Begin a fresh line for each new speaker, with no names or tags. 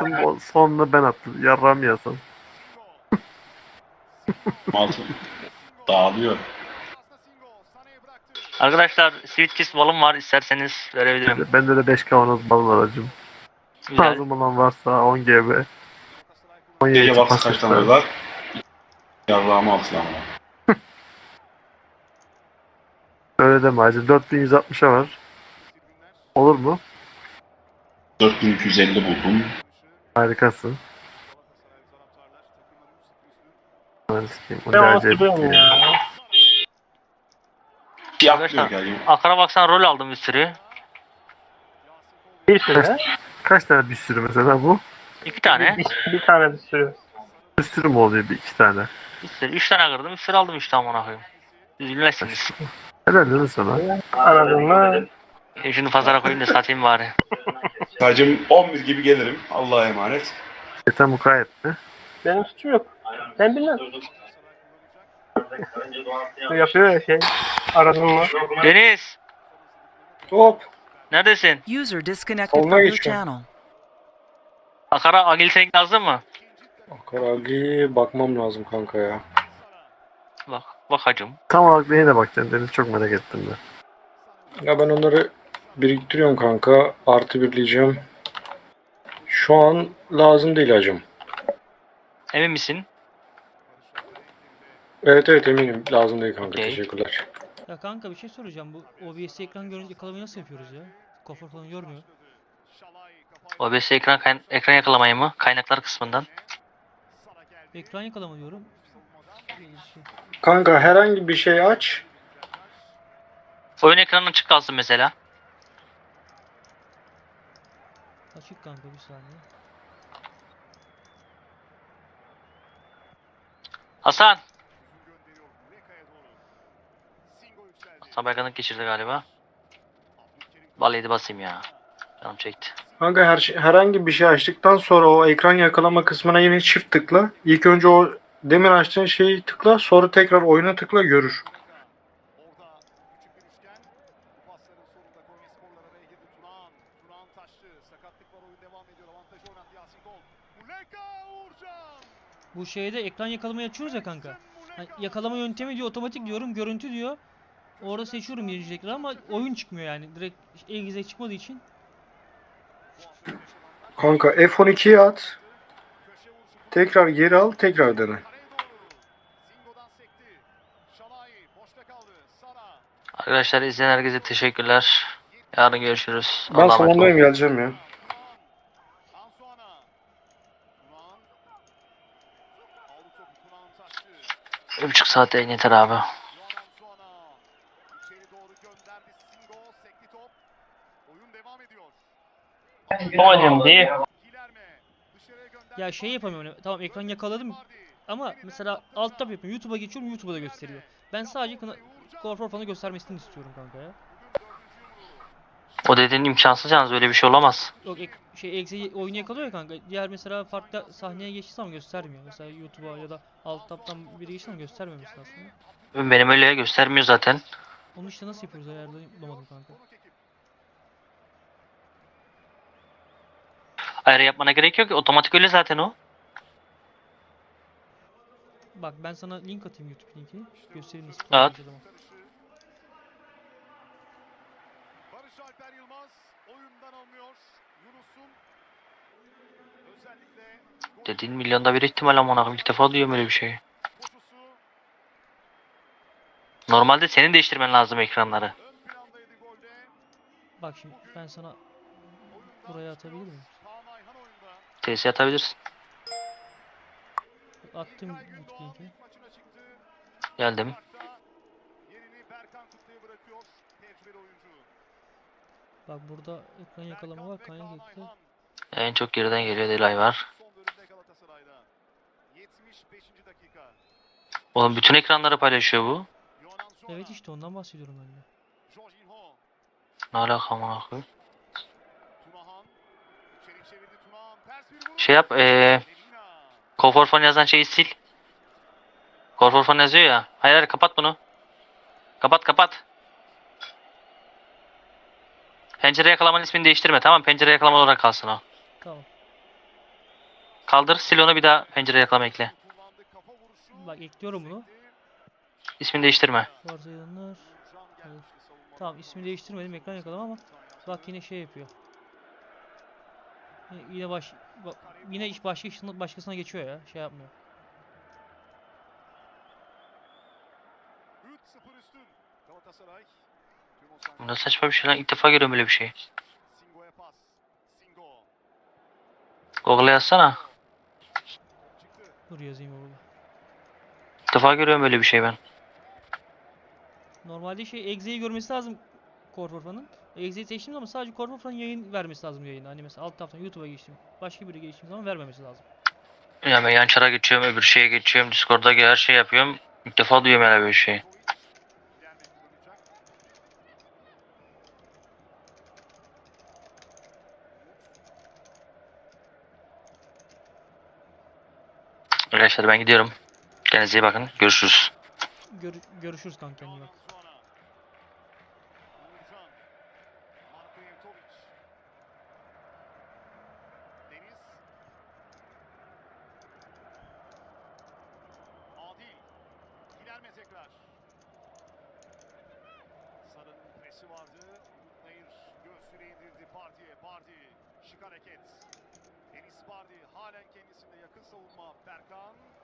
attım. O sonunda ben attım. Yarram yazsam.
Altı dağılıyor.
Arkadaşlar Sweet Kiss balım var, isterseniz verebilirim.
Bende de 5 kavanoz bal var hacım.
Güzel.
Lazım olan varsa 10 GB. 17
Gece baksa kaç
pasifler.
tane var? Yarrağımı altılar ama.
Öyle deme hacım. 4160'a var. Olur mu?
4250 buldum.
Harikasın. Hadi sikeyim. O
Ben
ne
onu
acayip
hatırlıyorum
ya.
ya.
Siyah
Arkadaşlar,
diyor yani.
Akara baksan rol aldım bir sürü.
Bir sürü.
Kaç tane bir sürü mesela bu?
2 tane.
Bir tane bir sürü.
Bir sürü mü oluyor? Bir iki tane.
Bir sürü. 3 tane kırdım. Bir sürü aldım işte amına koyayım. Üzülmezsiniz.
Helal değil mi sana?
Anladın mı?
Şunu pazara koyayım da satayım bari.
Hacım 11 gibi gelirim. Allah'a emanet.
Yeter mukayyet mi?
Benim suçum yok. Ben bilmem. Yapıyor ya şey. Aradın mı?
Deniz!
Hop.
Neredesin?
User disconnected
Soluna
from your
geçiyorum.
channel.
Akara Agil Tank lazım mı?
Karagi bakmam lazım kanka ya.
Bak. Bak hacım.
Tam olarak neyine bakacaksın Deniz? Çok merak ettim ben.
Ya ben onları biriktiriyorum kanka. Artı birleyeceğim. Şu an lazım değil hacım.
Emin misin?
Evet eminim. Lazım değil kanka.
Okey.
Teşekkürler.
Ya kanka bir şey soracağım. Bu OBS ekran görüntü yakalamayı nasıl yapıyoruz ya? Kuaför falan görmüyor.
OBS ekran yakalamayı mı? Kaynaklar kısmından.
Ekran yakalama diyorum. Şey,
Kanka herhangi bir şey aç.
Oyun ekranının açık kalsın mesela.
açık kanka bir saniye.
Hasan! Hasan Berkan'ı geçirdi galiba. Vallahi basayım ya. Canım çekti.
Kanka herhangi bir şey açtıktan sonra o ekran yakalama kısmına yine çift tıkla. İlk önce o demin açtığın şeyi tıkla. Sonra tekrar oyuna tıkla görür.
Bu şeyde ekran yakalamayı açıyoruz ya kanka. Hani yakalama yöntemi diyor, otomatik diyorum, görüntü diyor. Orada seçiyorum birinci ekran ama oyun çıkmıyor yani. Direkt el çıkmadığı için.
Kanka F12'ye at. Tekrar geri al. Tekrar dene.
Arkadaşlar izleyen herkese teşekkürler. Yarın görüşürüz.
Ben
Allah'a emanet olun.
salondayım geleceğim ya.
Bir buçuk saat yayın yeter abi.
Hocam diye.
Ya şey yapamıyorum. Tamam ekran yakaladım ama mesela alt tab yapıyorum. YouTube'a geçiyorum, YouTube'da da gösteriyor. Ben sadece kuaför falan göstermesini istiyorum kanka ya.
O dediğin imkansız yalnız, öyle bir şey olamaz.
Yok exe oyunu yakalıyor ya kanka. Diğer mesela farklı sahneye geçtiği zaman göstermiyor. Mesela YouTube'a ya da alt tab'tan biri geçtiği zaman göstermemiş aslında.
Benim öyle göstermiyor zaten.
Onu işte nasıl yapıyoruz ayarlayı bulamadım kanka.
Ayarı yapmana gerek yok ki, otomatik öyle zaten o.
Bak ben sana link atayım, YouTube linkini. Göstereyim nasıl
At.
kullanacağız ama.
Barış Alper Yılmaz oyundan alınıyor. Yunus'un özellikle
Dediğin milyonda bir ihtimal amına koyayım. İlk defa duyuyorum öyle bir şey.
koşusu
Normalde senin değiştirmen lazım ekranları.
ön plandaydı golde.
Bak şimdi ben sana buraya atabilir miyim?
Kaan Ayhan oyunda.
TS atabilirsin.
Attım YouTube linkini.
Maçına çıktı.
Geldim.
Yerini Berkan Kutlu'ya bırakıyor. Tecrübeli oyuncu.
Bak burada ekran yakalama var, kaynak ekle.
En çok geriden geliyor, Delay var.
Son bölümde Galatasaray'da. 75. dakika.
Oğlum bütün ekranları paylaşıyor bu.
Yonan Zona.
Evet işte ondan bahsediyorum ben de.
Jorginho.
Ne alaka amına koyayım.
Tunahan. İçeri çevirdi Tunahan. Ters bir vuruş.
Şey yap,
Lemina.
Koforfon yazan şeyi sil. Koforfon yazıyor ya. Hayır hayır, kapat bunu. Kapat. Pencere yakalamanın ismini değiştirme, tamam. Pencere yakalama olarak kalsın o.
Tamam.
Kaldır, sil onu, bir daha pencere yakalama ekle.
Kullandı, kafa vuruşu.
Bak ekliyorum bunu.
İsmini değiştirme.
Varsayılanlar.
Uğurcan gelmişti savunmadan.
Tamam, ismini değiştirmedim, ekran yakalama ama bak yine şey yapıyor. Yine iş başkasına geçiyor ya. Şey yapmıyor.
3-0 üstün. Galatasaray. Tüm o sahne-
Bunda saçma bir şey lan. İlk defa görüyorum böyle bir şey.
Singo'ya pas. Singo.
Google'a yazsana.
Çıktı.
Dur yazayım oğlum.
İlk defa görüyorum böyle bir şey ben.
Normalde Exe'yi görmesi lazım Korforfan'ın. Exe'yi seçtiğim zaman sadece Korforfan'ın yayın vermesi lazım yayını. Hani mesela alt taraftan YouTube'a geçtim. Başka biri geçtiğim zaman vermemesi lazım.
Ya ben yan çara geçiyorum, öbür şeye geçiyorum, Discord'da her şey yapıyorum. İlk defa duyuyorum öyle bir şey.
İleride kullanacak.
Arkadaşlar ben gidiyorum. Kendinize iyi bakın. Görüşürüz.
Görüşürüz kanka, kendine bak.
Zuana. Uğurcan. Marko Yevtovic. Deniz. Adil. Giderme tekrar. Sarı'nın presi vardı. Umut Nayır göğsüne indirdi Bardi'ye. Bardi. Şık hareket. Deniz Bardi halen kendisinde yakın savunma. Berkan.